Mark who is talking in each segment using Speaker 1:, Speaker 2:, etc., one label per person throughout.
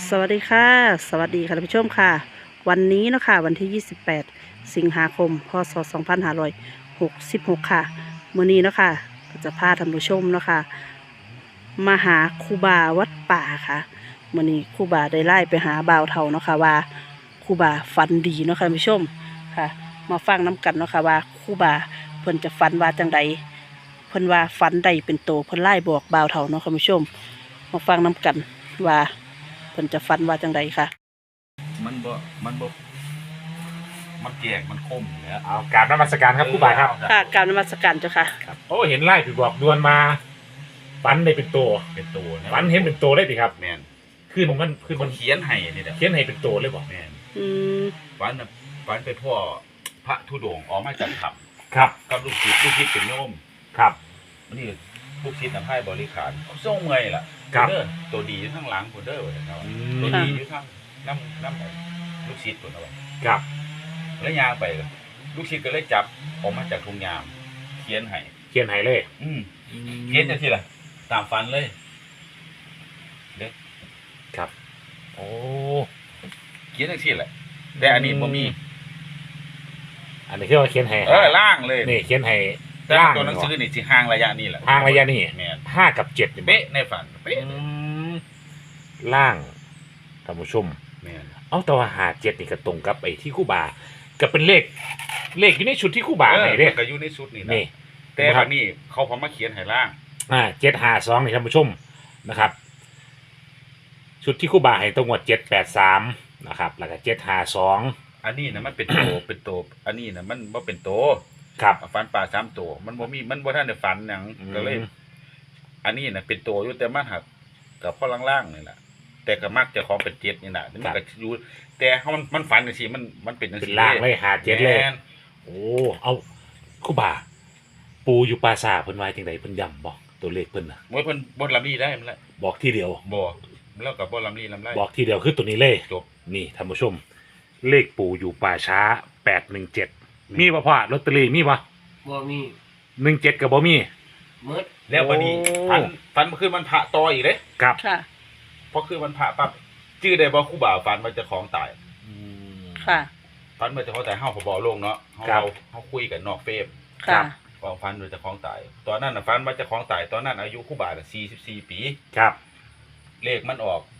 Speaker 1: สวัสดีค่ะสวัสดีค่ะท่านผู้ชมค่ะวันนี้เนาะค่ะวันที่28สิงหาคมพศ2566ค่ะมื้อนี้เนาะค่ะก็จะพาท่านผู้ชมเนาะค่ะมาหาครูบาวัดป่าค่ะมื้อนี้ครูบาได้ไล่ไปหาบ่าวเฒ่าเนาะค่ะว่าครูบาฝันดีเนาะค่ะท่านผู้ชมค่ะมาฟังน้กันเนาะค่ะว่าครูบาเพิ่นจะฝันว่าจังใดเพิ่นว่าฝันใดเป็นโตเพิ่นไล่บอกบ่าวเฒ่าเนาะค่ะท่านผู้ชมมาฟังน้กันว่าเพิ่นจะฝันว่าจังใดค่ะ
Speaker 2: มันบ่มันแจกมันคมอยู่แล้ว
Speaker 3: เอากราบนมัสการครับครูบาครับ
Speaker 1: ค่ะกรารนมัสการเจ้าค่ะ
Speaker 3: ครับโอ้เห็นไล่ผีบอกดวนมาฝันได้เป็นตัว
Speaker 2: เป็นตัวะ
Speaker 3: ฝันเห็นเป็นตัวเลยดิครับ
Speaker 2: แม่น
Speaker 3: ขึ้นมัน
Speaker 2: เขียนให้นี่แหละ
Speaker 3: เขียนให้เป็นตัวเลยบอก
Speaker 2: แม่น
Speaker 1: อืม
Speaker 2: ฝันไปพ่อพระธุดงค์ออกมาจากถ้
Speaker 3: ครับ
Speaker 2: ำกับลูกศิษย์เป็นโยม
Speaker 3: ครับ
Speaker 2: วันนี้ลูกศิษย์นำให้บริขารส่งเงยล่ะ
Speaker 3: ครับ
Speaker 2: เด้อตัวดีอยู่ข้างหลังพุ่นเด้อว่าซั่นเนาะ
Speaker 3: อื
Speaker 2: ตัว
Speaker 3: ม
Speaker 2: ดีอยู่ข้างน้ำลูกศิษย์พุ่นเอาไว้
Speaker 3: ครับ
Speaker 2: แล้วย่างไปลูกศิษย์ก็เลยจับออกมาจากทุ่งยามเขียนให้
Speaker 3: เขียนให้เลย
Speaker 2: เขียนจังซี่ล่ะตามฝันเลย
Speaker 3: ครับโอ้
Speaker 2: เขียนจังซี่แหละแต่อันนี้บ่มี
Speaker 3: อันนี้คือว่าเขียนให้
Speaker 2: ล่างเลย
Speaker 3: นี่เขียนให้
Speaker 2: แต่
Speaker 3: ล่าง
Speaker 2: ตัวหนังสือนี่สิห่างระยะนี่แหละ
Speaker 3: ห่างระยะนี่
Speaker 2: แม่น
Speaker 3: 5 กับ 7นี่
Speaker 2: เป๊ะในฝันเป๊ะ
Speaker 3: อืมล่างท่านผู้ชม
Speaker 2: แม่น
Speaker 3: เอาแต่ว่า57นี่ก็ตรงกับไอ้ที่ครูบาก็เป็นเลขอยู่ในชุดที่ครูบาให้เด้
Speaker 2: มันก็อยู่ในชุดนี่นะ
Speaker 3: นี่
Speaker 2: แต่บัดนี้เขาพอมาเขียนให้ล่าง
Speaker 3: 752นี่ท่านผู้ชมนะครับ ชุดที่ครู่บาให้ตรงวด783นะครับแล้วก็752
Speaker 2: อันนี้นะมันเป็นโต เป็นโตอันนี้นะมันบ่เป็นโต
Speaker 3: ครับ
Speaker 2: ฝันป่า3โตมันบ่มีมันบ่ทันได้ฝันหยังก็เลย อันนี้นะเป็นโตอยู่แต่มันหักกับพ่อล่างๆนี่แหละแต่ก็มักจะของเป็นเจ็ดนี่น่ะมันก็อยู่แต่เฮามันฝันจังซี่มันเป็นจัง
Speaker 3: เป็น
Speaker 2: ซี่
Speaker 3: ล่างเลย57เลย
Speaker 2: แม่น
Speaker 3: โอ้เอาครู่บา ปูอยู่ปราสาทเพิ่นว่าจังไดเพิ่นย้ำบอกตัวเลขเพิ่นน่ะ
Speaker 2: บ่เพิ่นบ่ลำลีได้มันละ
Speaker 3: บอกทีเดียว
Speaker 2: บ่แล้วก็บ่ลำลีลำไร
Speaker 3: บอกทีเดียวคือตัวนี้เลย
Speaker 2: จบ
Speaker 3: นี่ท่านผู้ชม เลขปูอยู่ป่าช้า817มีบ่พ่อลอตเตอรี่มีบ่
Speaker 4: บ่มี
Speaker 3: 17ก็บ่มี
Speaker 4: มืด
Speaker 2: แล้ววันนี้
Speaker 3: โอ้
Speaker 2: ฝันเมื่อคืนมันพระต่ออีกเด้
Speaker 3: ครับ
Speaker 1: ค่ะ
Speaker 2: พอคืนมันพระปั๊บชื่อได้บ่ครูบ่าวฝันว่าเจะของตาย
Speaker 3: อืม
Speaker 1: ค่ะ
Speaker 2: ฝันว่าเจะของตายเฮาก็บ่ลงเนาะเฮา
Speaker 3: ครับ
Speaker 2: เฮาคุยกันนอกเฟรม
Speaker 1: ค่ะ
Speaker 2: ว่าฝันว่าเจะของตาย ตอนนั้นน่ะฝันว่าเจะของตายตอนนั้นอายุครูบ่าวน่ะ44 ปี
Speaker 3: ครับ
Speaker 2: เลขมันออก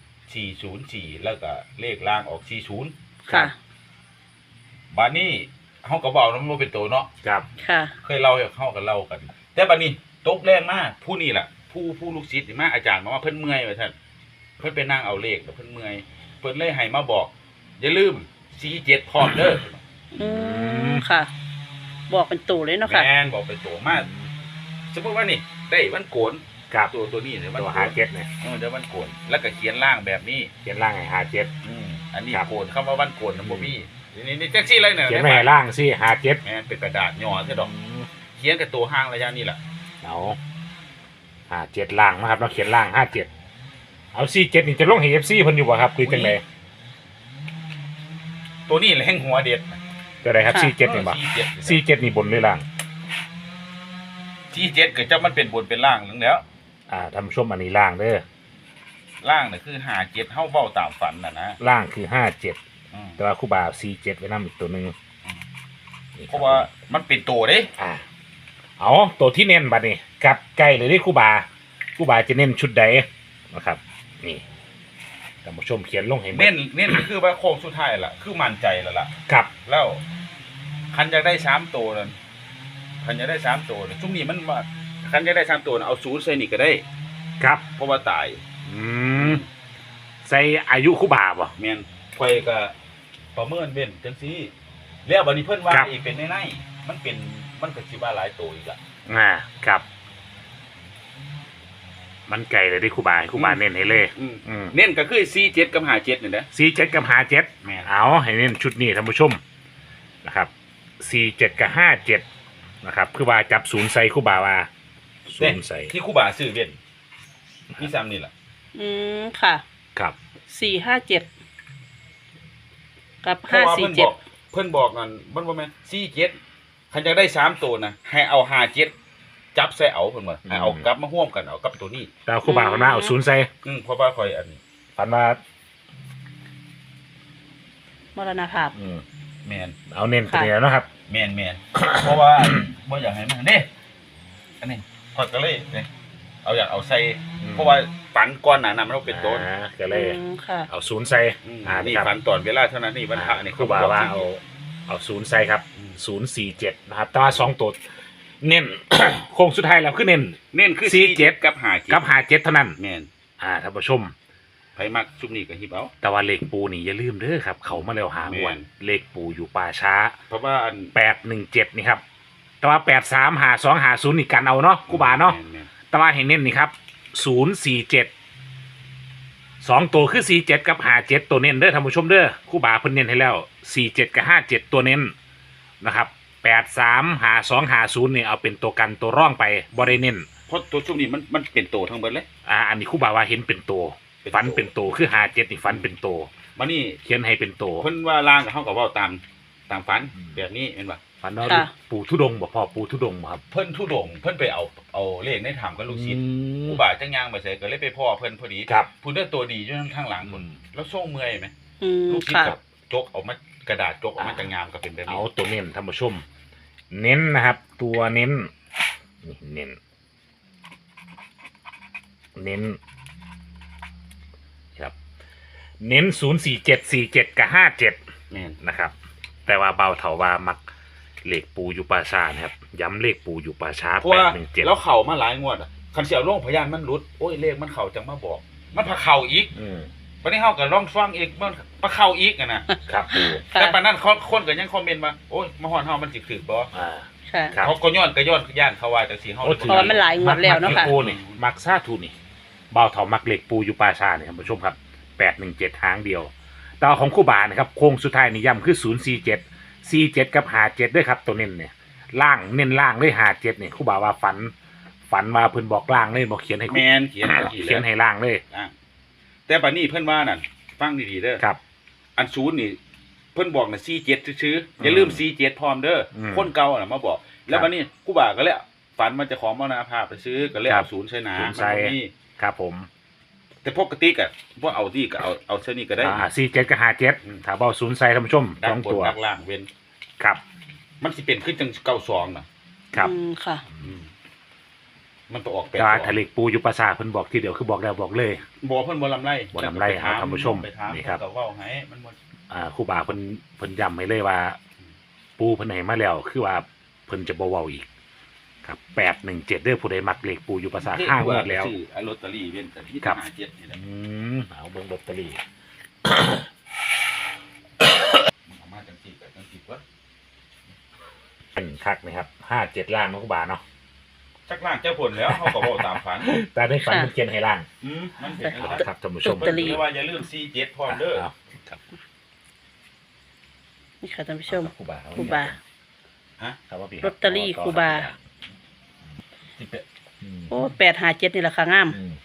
Speaker 2: 404แล้วก็เลขล่างออก40
Speaker 1: ค่ะ
Speaker 2: บัดนี้เฮาก็บ่เอานำบ่เป็นโตเนาะ
Speaker 3: ครับ
Speaker 1: ค่ะ
Speaker 2: เคยเล่าให้เฮากันเล่ากัน แต่บัดนี้ตกแรงมากผู้นี่ล่ะ ผู้ลูกศิษย์นี่มาอาจารย์มาว่าเพิ่นเมื่อยว่าซั่นเพิ่นไปนั่งเอาเลขแล้วเพิ่นเมื่อยเพิ่นเลยให้มาบอก อย่าลืม47พร้อมเด้อ
Speaker 1: อืมค่ะ บอกเป็นตู่เลยเนาะค่ะ
Speaker 2: แม่นบอกเป็นตัวมาสมมุติว่านี่ได้วันโกน
Speaker 3: ครับ
Speaker 2: ตัวนี้เนี่ยวัน
Speaker 3: ตัว
Speaker 2: โกน
Speaker 3: 57เนี่ย
Speaker 2: เดี๋ยววันโกนแล้วก็เขียนล่างแบบนี้
Speaker 3: เขียนล่างให้57
Speaker 2: อันนี้
Speaker 3: ครับ
Speaker 2: โกนคำว่าวันโกนน่ะบ่มีนี่แท็กซี่เลยเนี่ย
Speaker 3: เขียนไว้ให้ล่างสิ57
Speaker 2: แม่นเป็นกระดาษย่อซะดอกเขียนกับตัวห้างระยะนี้ล่ะ
Speaker 3: เอา57ล่างนะครับเราเขียนล่าง57เอา47นี่จะลงให้ FC เพิ่นอยู่บ่ครับคือจังได๋
Speaker 2: ตัวนี้แหละแห่งหัวเด็ด
Speaker 3: ตัวใดครับ
Speaker 1: ค่ะ
Speaker 3: 47นี่บ่
Speaker 2: 47
Speaker 3: 47นี่บนหรือล่าง
Speaker 2: 47ก็จะมันเป็นบนเป็นล่างนั่นแหล้ว
Speaker 3: ท่านผู้ชมอันนี้ล่างเด้อ
Speaker 2: ล่างน่ะคือ57เฮาเว้าตามฝันน่ะนะ
Speaker 3: ล่างคือ57
Speaker 2: อืม
Speaker 3: แต่ว่าครูบา47ไว้นำอีกตัวหนึงนี่คบ
Speaker 2: เพราะว่ามันเป็นตัวเด้
Speaker 3: เอาตัวที่เน้นบัดนี้กับใกล้เลยที่ครูบาจะเน้นชุดใดนะครับ นี่ท่านผู้ชมเขียนลงให้หมด
Speaker 2: เน้นก็คือว่าโค้งสุดท้ายล่ะคือมั่นใจแล้วล่ะ
Speaker 3: ครับ
Speaker 2: แล้วคันอยากได้3ตัวนั่นคันอยากได้3ตัวนั่นช่วงนี้มันว่าคันอยากได้3ตัวน่ะเอา0ใส่นี่ก็ได้
Speaker 3: ครับ
Speaker 2: เพราะว่าตาย
Speaker 3: อืมใส่อายุครูบาบ่
Speaker 2: แม่นข่อยก็ประเมินเว้นจังซี่แล้วบัดนี้เพิ่นว่า
Speaker 3: ครับ
Speaker 2: อีกเป็นในๆมันก็สิว่าหลายตัวอีกอ่ะ
Speaker 3: ครับ มันไกลเลยที่ครูบาให้ครูบาเน้นให้เลย
Speaker 2: เน้นก็คือ47กับ57นี่แหละ
Speaker 3: 47กับ57
Speaker 2: แม่น
Speaker 3: เอาให้เน้นชุดนี้ท่านผู้ชมนะครับ47กับ57นะครับครูบาจับศูนย์ใส่ครูบาว่าศูนย์ใส่
Speaker 2: ที่ครูบาซื้อเว้นที่ซ้ำนี่ล่ะ
Speaker 1: อืมค่ะ
Speaker 3: ครับ
Speaker 1: 457กับ
Speaker 2: เพราะว่าเพิ่นบอก
Speaker 1: 547
Speaker 2: เพิ่นบอกนั่นมันบ่แม่น47คันอยากได้3ตัวนะให้เอา57จับใส่เอาเพิ่นว่าให้เอากลับมาร่วมกันเอากับตัวนี้
Speaker 3: แต่ครูบาเขาหน้าเอาศูนย์ใส่
Speaker 2: เพราะว่าข่อยอันนี้
Speaker 3: ฝันว่า
Speaker 1: มรณภาพ
Speaker 2: แมน
Speaker 3: เอาเน้นตัวนี้แล้วนะครับ
Speaker 2: แมน เพราะว่าบ่อยากให้มันนี่อันนี้พอดก็เลยเนี่ยเอาอยากเอาใส่เพราะว่าฝันก้อนหนานะมันต้องเป็นต้น
Speaker 3: ก็เลย
Speaker 1: ค่ะ
Speaker 3: เอาศูนย์ใส่
Speaker 2: นี่
Speaker 3: ครับ
Speaker 2: ฝันตอนเวลาเท่านั้นนี่วันพระนี่
Speaker 3: ครูบาว่าเอาศูนย์ใส่ครับ047นะครับแต่ว่า2ตัวเน้น โค้งสุดท้ายแล้วคือเน้น
Speaker 2: เน้นคือ
Speaker 3: 47
Speaker 2: กับ5
Speaker 3: กับ57เท่านั้น
Speaker 2: แมน
Speaker 3: ท่านผู้ชม
Speaker 2: ไผมักชุบนี่ก็หิบเอา
Speaker 3: แต่ว่าเลขปูนี่อย่าลืมเด้อครับ เขามาแล้วหางวัน
Speaker 2: แม่น
Speaker 3: เลขปูอยู่ป่าช้า
Speaker 2: เพราะว่าอัน
Speaker 3: 817นี่ครับแต่ว่า83หา2หา0นี่กันเอาเนาะครูบาเนาะ
Speaker 2: แม่น
Speaker 3: แต่ว่าให้เน้นนี่ครับ047 2ตัวคือ47กับ57ตัวเน้นเด้อท่านผู้ชมเด้อครูบาเพิ่นเน้นให้แล้ว47กับ57ตัวเน้นนะครับ83หา2หา0นี่เอาเป็นตัวกันตัวร่องไปบ่ได้เน้น
Speaker 2: เพราะตัวชุบนี่มันเป็นโตทั้งเบิดเลย
Speaker 3: อันนี้ครูบาว่าเห็นเป็นตัว
Speaker 2: เป็นตัว
Speaker 3: ฝันเป็นตัวคือ57นี่ฝันเป็นตัว
Speaker 2: มานี่
Speaker 3: เขียนให้เป็นตัว
Speaker 2: เพิ่นว่าล่างกับเฮาก็เว้าตามฝันแบบนี้แม่นบ่
Speaker 3: ฝันว่า
Speaker 1: ค่ะ
Speaker 3: ปู่ทุดงค์บ่พ่อปู่ทุดงค์บ่ครับ
Speaker 2: เพิ่นทุดงค์เพิ่นไปเอาเลขในถามกับลูกศิษย์ผู้บาจังย่างไปใส่ก็เลยไปพ่อเพิ่นพอดี
Speaker 3: ครับ
Speaker 2: ผู้เด้อตัวดีอยู่ข้างหลังพุ่นแล้วส่งเมื่อยไหม ลูกศิษ
Speaker 1: ค่ะ
Speaker 2: ย์กับจกออกมากระดาษจกออกมาจังงามก็เป็นแบบ
Speaker 3: เอา
Speaker 2: นี้
Speaker 3: ตัวเน้นท่านผู้ชม เน้นนะครับ ตัวเน้นนี่เน้นครับ เน้น04747กับ57
Speaker 2: แม่น
Speaker 3: นะครับ แต่ว่าเบาเถาว่ามักเลขปูอยู่ป่าช้านะครับ ย้ำเลขปูอยู่ป่าช้า
Speaker 2: เพราะว่า
Speaker 3: 817
Speaker 2: แล้วเข่ามาหลายงวดอ่ะคันเสียวโรงพยานมันหลุดโอ้ยเลขมันเข่าจังมาบอก มันพาเข่าอีก
Speaker 3: อืม
Speaker 2: วันนี้เฮาก็ลองฟังอีกมันพาเข่าอีกอะนะครับ
Speaker 3: ปู
Speaker 2: แต่ปานนั้นคนก็ยังคอมเมนต์มาโอ้ยมาฮอดเฮามันสิถือบ่
Speaker 3: อ่า
Speaker 1: ค่ะ
Speaker 3: ครับ
Speaker 2: เขาก็ย้อนย่านเขาว่าจังซี่เฮา
Speaker 3: โอ้
Speaker 1: เพราะว่ามันหลายงวดแล้วเนาะค่ะ
Speaker 3: มักปูนี่มักซาทูนี่เบาเถามักเหล็กปูอยู่ป่าชาเนี่ยท่านผู้ชมครับ817หางเดียวแต่ว่าของคู่บานะครับโค้งสุดท้ายนี่ย้ำคือ047กับ57ด้วยครับตัวเน้นเนี่ยล่างเน้นล่างเลย57เนี่ยคู่บาว่าฝันมาเพิ่นบอกล่างเลยบอกเขียนให้
Speaker 2: แม่นเขียนจังซี่
Speaker 3: เขียนให้ล่างเลย
Speaker 2: อ่ะแต่บัดนี้เพิ่นว่านั่นฟังดีๆเด้อ
Speaker 3: ครับ
Speaker 2: อันศูนย์นี่เพิ่นบอกน่ะ47ซื่อๆอย่าลืม47พร้อมเด้ออ
Speaker 3: ม
Speaker 2: คนเก่าน่ะมาบอก แล้วบัดนี้ครูบาก็เลยฝันมันจะของมรณภาพไปซื้อก็เลย
Speaker 3: ครั
Speaker 2: เอา
Speaker 3: บ
Speaker 2: ศูนย์ใส่หนา
Speaker 3: ศู
Speaker 2: มัน
Speaker 3: ย์ใส่
Speaker 2: บ่มี
Speaker 3: ครับผม
Speaker 2: แต่ปกติก็บ่เอาที่ก็เอาเท่านี้ก็ได้
Speaker 3: 47กับ57ถ้าเบาศูนย์ใส่ท่านผู้ชม
Speaker 2: ดั
Speaker 3: ส
Speaker 2: ก
Speaker 3: อง
Speaker 2: บน
Speaker 3: ตัว
Speaker 2: ดักล่างเว้น
Speaker 3: ครับ
Speaker 2: มันสิเป็นขึ้นจัง92น่ะ
Speaker 3: ครับ
Speaker 1: ค่ะ
Speaker 2: อืมมันต้องออก
Speaker 3: แต่ว่าถ้าเหล็กปูอยู่ป่าชาเพิ่นบอกทีเดียวคือบอกแล้วบอกเลย
Speaker 2: บ่เพิ่นบ่ลำไร
Speaker 3: บ่ลำไร
Speaker 2: ปถ
Speaker 3: ท่านผู้ชม
Speaker 2: ไปถาม
Speaker 3: นี่ครับ
Speaker 2: เพิ่นก็เว้าให้มันบ่
Speaker 3: ครูบาเพิ่นย้ำให้เลยว่า ปูเพิ่นให้มาแล้วคือว่าเพิ่นจะบ่เว้าอีก ครับ817เด้อผู้ใดมักเลขปูอยู่ภาษาห้างวดแล้ว
Speaker 2: ซื้อไอ้ลอตเตอรี่เว้นแต่ที่
Speaker 3: ครับ
Speaker 2: 57นี่แหละ
Speaker 3: เอาเบิ่งลอตเตอรี่
Speaker 2: เอามาจังซี่ก็จังซี่วะ
Speaker 3: เป็นคักนะครับ57ล่างเนาะครูบาเนาะ
Speaker 2: จักล่างเจ้าผลแล้วเขาก็เว้าตามฝัน
Speaker 3: แต่ในฝันมันเขียนให้ล่าง
Speaker 2: มันเป็นจังซั่น
Speaker 3: ครับท่านผู้ชม
Speaker 1: ลอตเตอรี่
Speaker 2: เรียกว่าอย่าลืม47พร้อมเด้อ
Speaker 3: เอาครับ
Speaker 1: นี่ค่ะท่านผู้ชม
Speaker 3: ครูบา
Speaker 1: ครูบา
Speaker 3: ครับว่าพี่
Speaker 1: ลอตเตอรี่ครูบา
Speaker 3: อืม
Speaker 1: โอ้857นี่แหละค่ะงาม
Speaker 3: อืม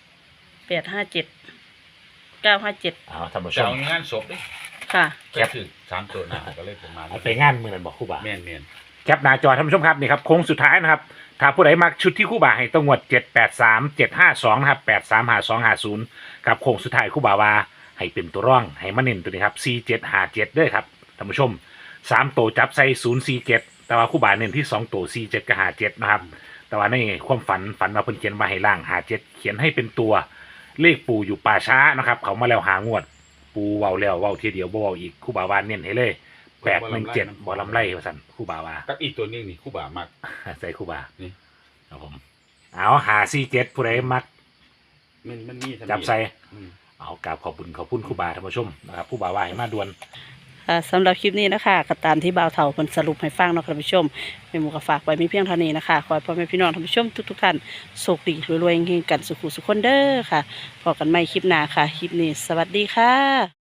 Speaker 1: 857 957
Speaker 3: เอาท่านผู้ช
Speaker 2: จะ
Speaker 3: ม
Speaker 2: เอางานศพดิ
Speaker 1: ค่ะ
Speaker 2: แคปถึง3ตัวหน้าก็เลยประมาณ
Speaker 3: เอาไปงานมื้อนั้นบอกครูบา
Speaker 2: แม่น
Speaker 3: แคปหน้าจอท่านผู้ชมครับนี่ครับโค้งสุดท้ายนะครับ ถ้าผู้ใดมักชุดที่คู่บ่าให้ต้องงวด783 752นะครับ835250ครับโค้งสุดท้ายคู่บ่าวาให้เป็นตัวร่องให้มาเน้นตัวนี้ครับ4757ด้วยครับท่านผู้ชม3ตัวจับใส่047แต่ว่าคู่บ่าเน้นที่2ตัว47กับ57นะครับแต่ว่าในความฝันว่าเพิ่นเขียนมาให้ล่าง57เขียนให้เป็นตัวเลขปู่อยู่ป่าช้านะครับเขามาแล้วหางวด ปูเว้าแล้วเว้าทีเดียวบ่เว้าอีกคู่บ่าวาเน้นให้เลย817บ่ลำไรว่าซั่นคู่บ่าวา
Speaker 2: ๆกับอีกตัวหนึงนี่ครูบามัก
Speaker 3: ใส่ครูบา
Speaker 2: นี่
Speaker 3: ครับผมเอาหา47ผู้ใดมัก
Speaker 2: มันมีเท่านี้
Speaker 3: จับใส่
Speaker 2: อืม
Speaker 3: เอากราบขอบคุณครูบาท่านผู้ชมนะครับผู้บาว่าให้มาด่วน
Speaker 1: สำหรับคลิปนี้นะคะก็ตามที่บ่าวเฒ่าเพิ่นสรุปให้ฟังเนาะค่ะท่านผู้ชมแม่หมูก็ฝากไว้มีเพียงเท่านี้นะคะขอให้พ่อแม่พี่น้องท่านผู้ชมทุกๆท่านโชคดีรวยๆเฮงๆกันสุขุสุขคนเด้อค่ะพบกันใหม่คลิปหน้าค่ะคลิปนี้สวัสดีค่ะ